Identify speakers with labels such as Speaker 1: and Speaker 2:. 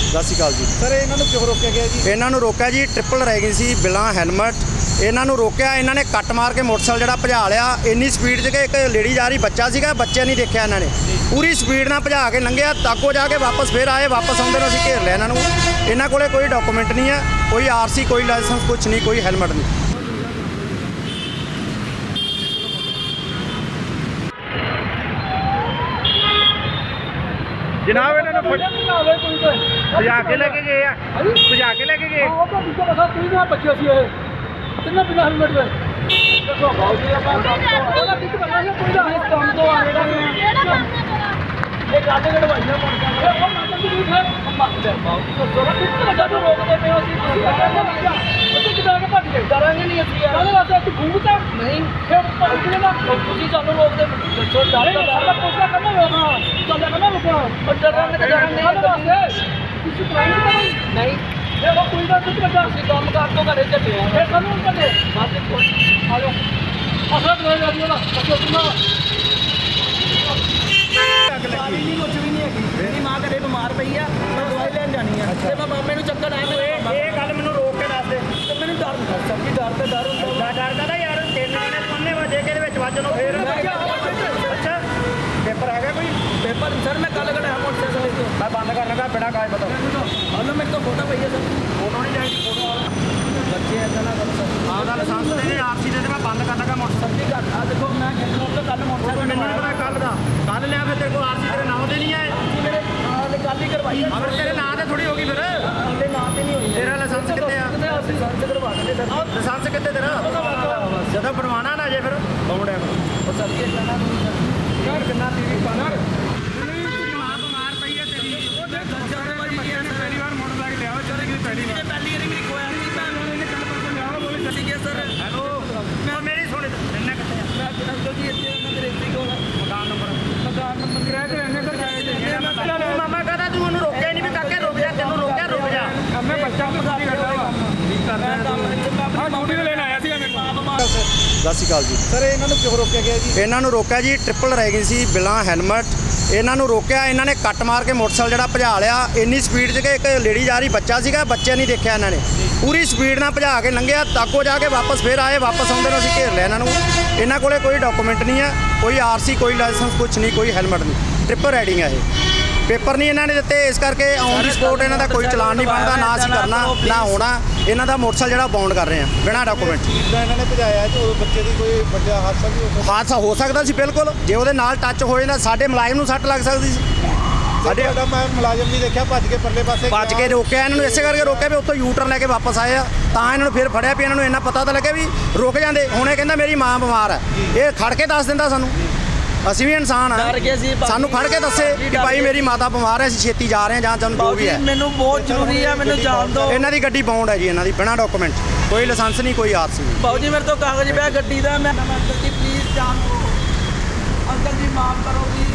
Speaker 1: ਸਤਿ ਸ਼੍ਰੀ ਅਕਾਲ ਜੀ।
Speaker 2: ਸਰ ਇਹਨਾਂ ਨੂੰ ਕਿਉਂ ਰੋਕਿਆ ਗਿਆ ਜੀ?
Speaker 1: ਇਹਨਾਂ ਨੂੰ ਰੋਕਿਆ ਜੀ, ਟ੍ਰਿਪਲ ਰੈਗਿੰਗ ਸੀ ਬਿਨਾਂ ਹੈਲਮਟ। ਇਹਨਾਂ ਨੂੰ ਰੋਕਿਆ, ਇਹਨਾਂ ਨੇ ਕੱਟ ਮਾਰ ਕੇ ਮੋਟਰਸਾਈਕਲ ਜਿਹੜਾ ਭਜਾ ਲਿਆ ਇੰਨੀ ਸਪੀਡ 'ਚ ਕਿ ਇੱਕ ਲੇਡੀ ਜਾ ਰਹੀ ਬੱਚਾ ਸੀਗਾ, ਬੱਚੇ ਨਹੀਂ ਦੇਖਿਆ ਇਹਨਾਂ ਨੇ, ਪੂਰੀ ਸਪੀਡ ਨਾਲ ਭਜਾ ਕੇ ਲੰਘਿਆ। ਤਾਕੋ ਜਾ ਕੇ ਵਾਪਸ ਫਿਰ ਆਏ, ਵਾਪਸ ਆਉਂਦੇ ਨੂੰ ਅਸੀਂ ਘੇਰ ਲਿਆ ਇਹਨਾਂ ਨੂੰ। ਇਹਨਾਂ ਕੋਲੇ ਕੋਈ ਡਾਕੂਮੈਂਟ ਨਹੀਂ ਹੈ, ਕੋਈ ਆਰਸੀ, ਕੋਈ ਲਾਇਸੈਂਸ, ਕੁਛ ਨਹੀਂ, ਕੋਈ ਹੈਲਮਟ ਨਹੀਂ।
Speaker 2: ਜਨਾਬ ਇਹਨਾਂ ਨੂੰ ਭਜਾ ਕੇ ਲੈ ਕੇ ਗਏ ਆ, ਭਜਾ ਕੇ ਲੈ ਕੇ ਗਏ।
Speaker 3: ਉਹ ਤਾਂ ਦੂਜਾ ਬਸਾ ਤੁਸੀਂ ਨਾ ਬੱਚੇ ਸੀ ਇਹ ਕਿੰਨਾ ਬਿਨਾ ਹੈਲਮਟ ਦੇ ਦੇਖੋ ਬਾਉ ਜੀ ਆਪਾਂ ਉਹਦਾ ਕਿੱਥੇ ਕਰਨਾ ਸੀ ਕੋਈ ਦਾ ਇਸ ਕੰਮ ਤੋਂ ਆ ਰਿਹਾ ਇਹ ਗਾਡੇ ਗੜਵਾਈਆਂ ਮੁੜ ਜਾਂਦੇ ਉਹ ਮਾਤਮ ਦੀ ਰੀਤ ਹੈ ਮਾਤਮ ਬਾਉ ਜੀ ਤੋਂ ਜਰਾ ਕਿੱਥੇ ਲੱਗਾ ਤੋਂ ਰੋਕਦੇ ਪਏ ਹੋ ਅਸੀਂ ਉੱਥੇ ਕਿਦਾਂ ਕੇ ਭੱਜ ਗਏ ਡਰਾਂਗੇ ਨਹੀਂ ਅਸੀਂ ਯਾਰ ਉਹਦੇ ਵਾਸਤੇ ਤੂੰ ਘੁੰਮਦਾ ਨਹੀਂ ਫਿਰ ਉੱਪਰ ਉੱਠਣੇ ਦਾ ਤੁਸੀਂ ਸਾਨੂੰ ਰੋਕਦੇ ਦੱਸੋ ਡਰ ਸਾਡਾ ਪੁੱਛਣਾ ਕਰਨਾ ਹੋਣਾ ਚੱਲਿਆ ਕਰਨਾ ਰੁਕਣਾ ਉਹ ਡਰਾਂਗੇ ਤਾਂ ਡਰਾਂਗੇ ਤੁਸੀਂ ਟ੍ਰਾਈ ਨਹੀਂ ਦੇਖੋ ਕੋਈ ਨਾ ਕੁਝ ਬੱਚਾ ਅਸੀਂ ਕੰਮ ਕਰ ਤੋਂ ਘਰੇ ਚੱਲੇ ਆ ਫਿਰ ਸਾਨੂੰ ਕੱਢੇ ਬਾਅਦ ਵਿੱਚ ਆ ਜਾਓ ਅਸਰ ਲੈ ਜਾ ਜੀ ਉਹਦਾ ਬੱਚੋ ਸੁਣਾ
Speaker 2: ਪਾਣੀ ਨਹੀਂ ਕੁਝ ਵੀ ਨਹੀਂ ਹੈਗੀ। ਮੇਰੀ ਮਾਂ ਘਰੇ ਬਿਮਾਰ ਪਈ ਆ, ਮੈਂ ਦਵਾਈ ਲੈਣ ਜਾਣੀ ਆ ਤੇ ਮੈਂ ਮਾਮੇ ਨੂੰ ਚੱਕਰ ਆਇਆ। ਇਹ ਗੱਲ ਮੈਨੂੰ ਰੋਕ ਕੇ ਦੱਸ ਦੇ ਤੇ ਮੈਨੂੰ ਡਰ ਹੁੰਦਾ ਸਰ ਜੀ, ਡਰ ਤੇ ਡਰ ਹੁੰਦਾ। ਡਰਦਾ ਤਾਂ ਯਾਰ 3 ਮਹੀਨੇ ਤੁੰਨੇ ਵਜੇ ਕੇ ਦੇ ਵਿੱਚ ਵੱਜਣੋਂ ਫੇਰ ਅੱਛਾ ਪੇਪਰ ਹੈਗਾ ਕੋਈ? ਪੇਪਰ ਸਰ ਮੈਂ ਕੱਲ ਕਢਾਇਆ ਮੋਟਰਸਾਈਕਲ ਤੋਂ। ਮੈਂ ਬੰਦ ਕਰ ਲਗਾ ਬਿਨਾਂ ਕਾਗਜ਼ ਪਤਾ। ਹਲੋ ਮੇਰੇ ਤੋਂ ਫੋਟੋ ਪਈ ਹੈ ਸਰ। ਫੋਟੋ ਨਹੀਂ ਚਾਹੀਦੀ, ਫੋਟੋ ਬੱਚੇ ਐਦਾਂ ਨਾ ਕਰੋ ਸਰ। ਆਪਦਾ ਲਾਇਸੈਂਸ ਦੇ ਦੇ, ਆਰਸੀ ਦੇ ਦੇ, ਮੈਂ ਬੰਦ ਕਰ ਲਗਾ ਮੋਟਰਸਾਈਕਲ ਦੀ ਘੱਟ ਆ। ਦੇਖੋ ਮੈਂ ਕਿਹਨੂੰ ਤੋਂ ਕੱਲ ਮੋਟਰਸਾਈਕਲ ਮੈਨੂੰ ਨਹੀਂ ਪਤਾ ਕੱਲ ਦਾ, ਕੱਲ ਲਿਆ ਫਿਰ ਤੇਰੇ ਕੋਲ ਆਰਸੀ ਤੇਰੇ ਨਾਮ ਦੇ ਨਹੀਂ ਆਏ। ਮੇਰੇ ਨਾਲ ਕੱਲ ਹੀ ਕਰਵਾਈ ਆ। ਅਗਰ ਤੇਰੇ ਨਾਂ ਤੇ ਥੋੜੀ ਹੋ ਗਈ ਫਿਰ ਉਹਦੇ ਨਾਂ ਤੇ ਨਹੀਂ ਹੋਈ। ਤੇਰਾ ਲਾਇਸੈਂਸ ਕਿੱਥੇ ਆ? ਲਾਇਸੈਂਸ ਕਰਵਾ ਦੇ ਸਰ। ਲਾਇਸੈਂਸ ਕਿੱਥੇ ਤੇਰਾ? ਜਦੋਂ ਬਣਵਾਣਾ ਨਾ ਜੇ ਫਿਰ ਬੌਂਡਿਆ ਉਹ ਚੱਲ ਕੇ ਜਾਣਾ ਨਹੀਂ ਸਰ। ਯਾਰ ਕਿੰਨਾ ਟੀਵੀ ਪਾਣਾ ਬਿਮਾਰ ਪਈ ਹੈ ਤੇਰੀ। ਉਹ ਦੇਖ ਸਾਰੇ ਬੱਚਿਆਂ ਨੇ ਪਹਿਲੀ ਵਾਰ ਮੋਟਰਸਾਈਕਲ ਲਿਆ ਵਿਚਾਰੇ ਕਿ ਪਹਿਲੀ ਵਾਰ ਮੇਰੀ ਖੋਇਆ ਸੀ ਭੈਣ ਨੂੰ ਇਹਨੇ ਕੱਲ ਪਰਸੋਂ ਲਿਆ ਬੋਲੇ ਚੱਲੀ ਗਿਆ ਸਰ। ਹੈਲੋ ਮੈਂ ਮੇਰੀ ਸੁਣ ਇੰਨਾ ਕਿੱਥੇ ਆ? ਮੈਂ ਕਿਹਨਾਂ ਜੀ ਇੱਥੇ ਉਹਨਾਂ ਦੇ ਰੇਤੀ ਕੋਲ ਮਕਾਨ ਨੰਬਰ ਕਿਰਾਏ ਤੇ ਰਹਿੰਦੇ ਸਰ ਜਾਏ ਮਾਮਾ ਕਹਦਾ ਤੂੰ ਉਹਨੂੰ ਰੋਕਿਆ ਨਹੀਂ ਵੀ ਕਾਕੇ ਰੁਕ ਜਾ, ਤੈਨੂੰ ਰੋਕਿਆ ਰੁਕ ਜਾ। ਮੈਂ ਬੱਚਾ ਮਸਾਦੀ ਕਰਦਾ ਵਾ ਠੀਕ ਕਰਦਾ ਹਾਂ ਡਿਊਟੀ ਤੇ ਲੈਣ ਆਇਆ ਸੀ ਮੈਂ।
Speaker 1: ਸਤਿ ਸ਼੍ਰੀ ਅਕਾਲ ਜੀ।
Speaker 2: ਸਰ ਇਹਨਾਂ ਨੂੰ ਕਿਉਂ ਰੋਕਿਆ ਗਿਆ ਜੀ?
Speaker 1: ਇਹਨਾਂ ਨੂੰ ਰੋਕਿਆ ਜੀ, ਟ੍ਰਿਪਲ ਰੈਗਿੰਗ ਸੀ ਬਿਨਾਂ ਹੈਲਮਟ। ਇਹਨਾਂ ਨੂੰ ਰੋਕਿਆ, ਇਹਨਾਂ ਨੇ ਕੱਟ ਮਾਰ ਕੇ ਮੋਟਰਸਾਈਕਲ ਜਿਹੜਾ ਭਜਾ ਲਿਆ ਇੰਨੀ ਸਪੀਡ 'ਚ ਕਿ ਇੱਕ ਲੇਡੀ ਜਾ ਰਹੀ ਬੱਚਾ ਸੀਗਾ, ਬੱਚੇ ਨਹੀਂ ਦੇਖਿਆ ਇਹਨਾਂ ਨੇ, ਪੂਰੀ ਸਪੀਡ ਨਾਲ ਭਜਾ ਕੇ ਲੰਘਿਆ। ਤਾਕੋ ਜਾ ਕੇ ਵਾਪਸ ਫਿਰ ਆਏ, ਵਾਪਸ ਆਉਂਦੇ ਨੂੰ ਅਸੀਂ ਘੇਰ ਲਿਆ ਇਹਨਾਂ ਨੂੰ। ਇਹਨਾਂ ਕੋਲੇ ਕੋਈ ਡਾਕੂਮੈਂਟ ਨਹੀਂ ਹੈ, ਕੋਈ ਆਰਸੀ, ਕੋਈ ਲਾਇਸੈਂਸ, ਕੁਛ ਨਹੀਂ, ਕੋਈ ਹੈਲਮਟ ਨਹੀਂ। ਟ੍ਰਿਪਲ ਰਾਈਡਿੰਗ ਹੈ ਇਹ। ਪੇਪਰ ਨਹੀਂ ਇਹਨਾਂ ਨੇ ਦਿੱਤੇ, ਇਸ ਕਰਕੇ ਔਨ ਦੀ ਸਪੋਰਟ ਇਹਨਾਂ ਦਾ ਕੋਈ ਚਲਾਨ ਨਹੀਂ ਬਣਦਾ, ਨਾ ਅਸੀਂ ਕਰਨਾ ਨਾ ਹੋਣਾ। ਇਹਨਾਂ ਦਾ ਮੋਟਰਸਾਈਕਲ ਜਿਹੜਾ ਬਾਉਂਡ ਕਰ ਰਹੇ ਆ ਬਿਨਾਂ ਡਾਕੂਮੈਂਟ।
Speaker 2: ਜਿੱਦਾਂ ਇਹਨਾਂ ਨੇ ਭਜਾਇਆ ਤੇ ਉਹ ਬੱਚੇ ਦੀ ਕੋਈ ਵੱਡਾ ਹਾਦਸਾ ਵੀ ਹੋ ਸਕਦਾ।
Speaker 1: ਹਾਦਸਾ ਹੋ ਸਕਦਾ ਸੀ ਬਿਲਕੁਲ, ਜੇ ਉਹਦੇ ਨਾਲ ਟੱਚ ਹੋ ਜਾਂਦਾ ਸਾਡੇ ਮੁਲਾਜ਼ਮ ਨੂੰ ਸੱਟ ਲੱਗ ਸਕਦੀ ਸੀ।
Speaker 2: ਸਾਡੇ ਮੈਂ ਮੁਲਾਜ਼ਮ ਵੀ ਦੇਖਿਆ ਭੱਜ ਕੇ ਪਰਲੇ ਪਾਸੇ
Speaker 1: ਭੱਜ ਕੇ ਰੋਕਿਆ ਇਹਨਾਂ ਨੂੰ, ਇਸੇ ਕਰਕੇ ਰੋਕਿਆ ਵੀ ਉੱਥੋਂ ਯੂ ਟਰਨ ਲੈ ਕੇ ਵਾਪਸ ਆਏ ਆ, ਤਾਂ ਇਹਨਾਂ ਨੂੰ ਫਿਰ ਫੜਿਆ ਵੀ ਇਹਨਾਂ ਨੂੰ ਇੰਨਾ ਪਤਾ ਤਾਂ ਲੱਗਿਆ ਵੀ ਰੁਕ ਜਾਂਦੇ। ਹੁਣ ਇਹ ਕਹਿੰਦਾ ਮੇਰੀ ਮਾਂ ਬਿਮਾਰ ਹੈ, ਇਹ ਖੜ ਕੇ ਦੱਸ ਦਿੰਦਾ ਸਾਨੂੰ, ਅਸੀਂ ਵੀ ਇਨਸਾਨ ਆ, ਸਾਨੂੰ ਖੜ ਕੇ ਦੱਸੇ ਕਿ ਭਾਈ ਮੇਰੀ ਮਾਤਾ ਬਿਮਾਰ ਹੈ, ਅਸੀਂ ਛੇਤੀ ਜਾ ਰਹੇ ਹਾਂ ਜਾਂ ਸਾਨੂੰ ਜੋ ਵੀ ਹੈ।
Speaker 3: ਮੈਨੂੰ ਬਹੁਤ ਜ਼ਰੂਰੀ ਆ, ਮੈਨੂੰ ਜਾਣ ਦਿਓ।
Speaker 1: ਇਹਨਾਂ ਦੀ ਗੱਡੀ ਬਾਉਂਡ ਹੈ ਜੀ, ਇਹਨਾਂ ਦੀ ਬਿਨਾਂ ਡਾਕੂਮੈਂਟ, ਕੋਈ ਲਾਇਸੈਂਸ ਨਹੀਂ, ਕੋਈ ਆਰਸੀ ਨਹੀਂ।
Speaker 3: ਬਾਊ ਜੀ ਮੇਰੇ ਤੋਂ ਕਾਗਜ਼ ਪਿਆ ਗੱਡੀ ਦਾ, ਮੈਂ ਅੰਕਲ ਜੀ ਪਲੀਜ਼ ਜਾਣ ਦਿਓ, ਅੰਕਲ ਜੀ ਮਾਫ ਕਰੋ ਜੀ।